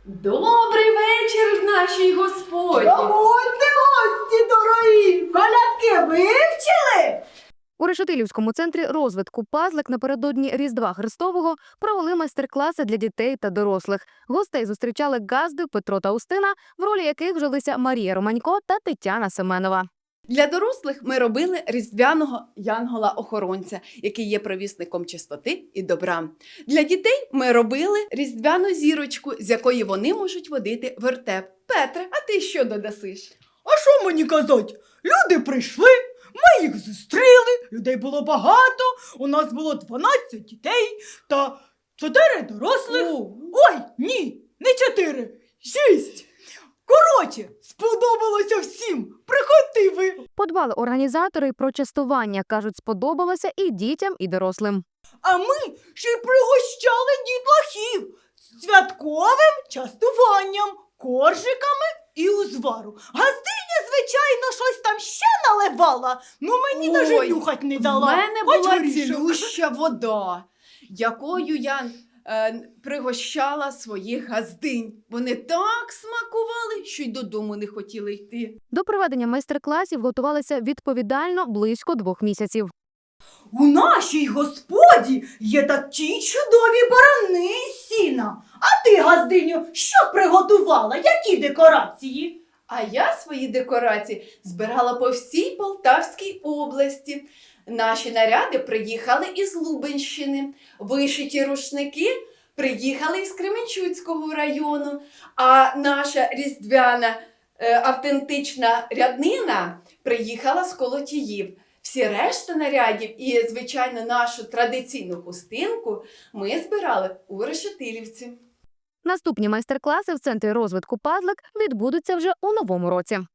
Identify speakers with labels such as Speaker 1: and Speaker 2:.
Speaker 1: Добрий вечір в нашій господі!
Speaker 2: Заходьте, гості дорогі! Колядки вивчили?
Speaker 3: У Решетилівському центрі розвитку «Пазлик» напередодні Різдва Христового провели майстер-класи для дітей та дорослих. Гостей зустрічали газди Петро та Устина, в ролі яких вжилися Марія Романько та Тетяна Семенова.
Speaker 4: Для дорослих ми робили різдвяного янгола-охоронця, який є провісником чистоти і добра. Для дітей ми робили різдвяну зірочку, з якої вони можуть водити вертеп. Петре, а ти що додасиш?
Speaker 2: А що мені казати? Люди прийшли, ми їх зустріли, людей було багато, у нас було 12 дітей та 4 дорослих. Ой, ні, не 4, 6. Коротше, сподобалося всім, приходьте ви.
Speaker 3: Подбали організатори й про частування. Кажуть, сподобалося і дітям, і дорослим.
Speaker 2: А ми ще й пригощали дітлахів святковим частуванням, коржиками і узвару. Газдиня, звичайно, щось там ще наливала, ну мені
Speaker 4: Ой,
Speaker 2: навіть нюхать не дала.
Speaker 4: В мене
Speaker 2: Хоч
Speaker 4: була
Speaker 2: горішок.
Speaker 4: цілюща вода, якою я пригощала своїх газдинь. Вони так смакували, що й додому не хотіли йти.
Speaker 3: До проведення майстер-класів готувалися відповідально близько 2 місяців.
Speaker 2: У нашій господі є такі чудові барани із сіна. А ти, газдиню, що приготувала? Які декорації?
Speaker 4: А я свої декорації збирала по всій Полтавській області. Наші наряди приїхали із Лубенщини, вишиті рушники приїхали із Кременчуцького району, а наша різдвяна автентична ряднина приїхала з Колотіїв. Всі решта нарядів і, звичайно, нашу традиційну хустинку ми збирали у Решетилівці.
Speaker 3: Наступні майстер-класи в центрі розвитку «Пазлик» відбудуться вже у новому році.